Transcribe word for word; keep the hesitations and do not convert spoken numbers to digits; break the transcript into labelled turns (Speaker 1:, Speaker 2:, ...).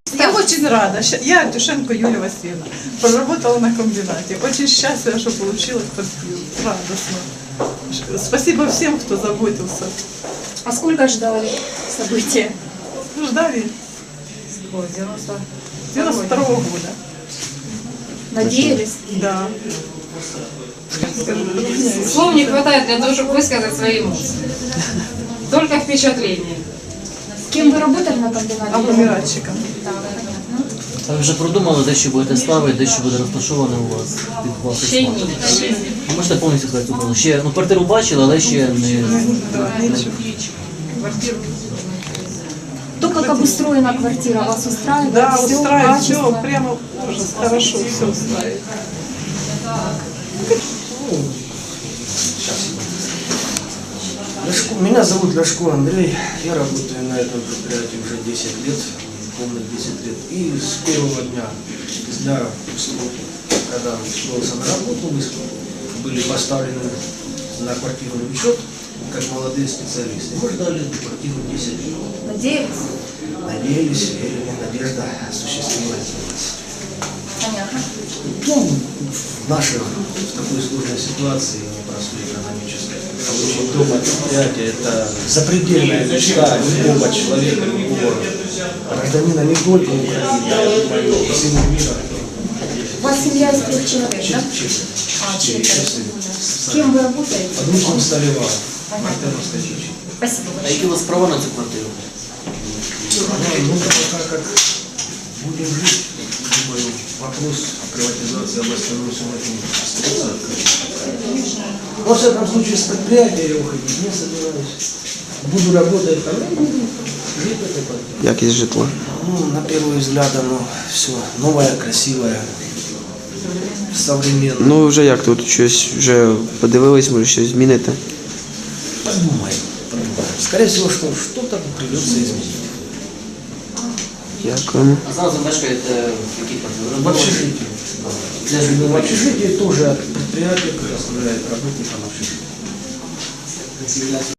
Speaker 1: Я очень рада. Ща- Я Артюшенко Юлия Васильевна. Проработала на комбинате. Очень счастлива, что получила квартиру. Радостно. Ш- Спасибо всем, кто заботился.
Speaker 2: А сколько ждали события?
Speaker 1: Ждали девяносто второго года.
Speaker 2: Надеялись?
Speaker 1: Да.
Speaker 3: Слов не хватает для того, чтобы высказать свои эмоции. Только впечатление.
Speaker 2: Кем вы работали на комбинате?
Speaker 1: Агломератчиком.
Speaker 2: Так, понятно.
Speaker 4: А ви вже продумали, де що будете ставити, де що буде розташоване у вас під вас?
Speaker 3: Ще ні.
Speaker 4: Ви можете повністю сказати цю ще, ну квартиру бачили, але ще не...
Speaker 1: Да, ничего. Квартиру.
Speaker 2: То, как обустроена квартира, вас устраивает?
Speaker 1: Да,
Speaker 2: Всё,
Speaker 1: устраивает. Все,
Speaker 2: качество?
Speaker 1: прямо ужас. Хорошо, все устраивает.
Speaker 5: Ляшко- Меня зовут Ляшко Андрей, я работаю на этом предприятии уже десять лет, полных десять лет. И с первого дня, с дня, когда устроился на работу, мы были поставлены на квартирный учет, как молодые специалисты. Мы ждали эту квартиру десять лет.
Speaker 2: Надеялись?
Speaker 5: Надеялись, верили, надежда осуществилась.
Speaker 2: Понятно.
Speaker 5: Ну, в нашей, в такой сложной ситуации, непростой экономической, получить дом от предприятия – это запредельная мечта любого человека, любого гражданина не только Украины, а и всего мира.
Speaker 2: У вас семья из трех человек, да?
Speaker 5: Честно.
Speaker 2: А,
Speaker 5: Четыре,
Speaker 2: четверо.
Speaker 5: честно.
Speaker 2: С кем вы работаете?
Speaker 5: Одним Столивар,
Speaker 2: Понятно.
Speaker 5: Мартеновская чечи.
Speaker 2: Спасибо
Speaker 4: А
Speaker 2: большое.
Speaker 4: які у вас права на цю квартиру?
Speaker 5: Ну, пока как будем жить, думаю, вопрос о приватизации областной суммы остается открытым. Во всяком случае, с предприятия я уходить не собираюсь. Буду работать там, и буду жить в этой квартире.
Speaker 6: Якість житла.
Speaker 5: Ну, на первый взгляд оно все новое, красивое, современное.
Speaker 6: Ну ви вже як тут щось вже подивились, може щось зміните?
Speaker 5: Подумаем, подумаем. Скорее всего, что что-то придется изменить.
Speaker 6: Дякуємо.
Speaker 4: А зараз ви мешкаєте в якій квартирі?
Speaker 5: В общежитии.
Speaker 4: Для
Speaker 5: В
Speaker 4: житлового
Speaker 5: общежитии тоже предприятие предоставляет работникам общежития.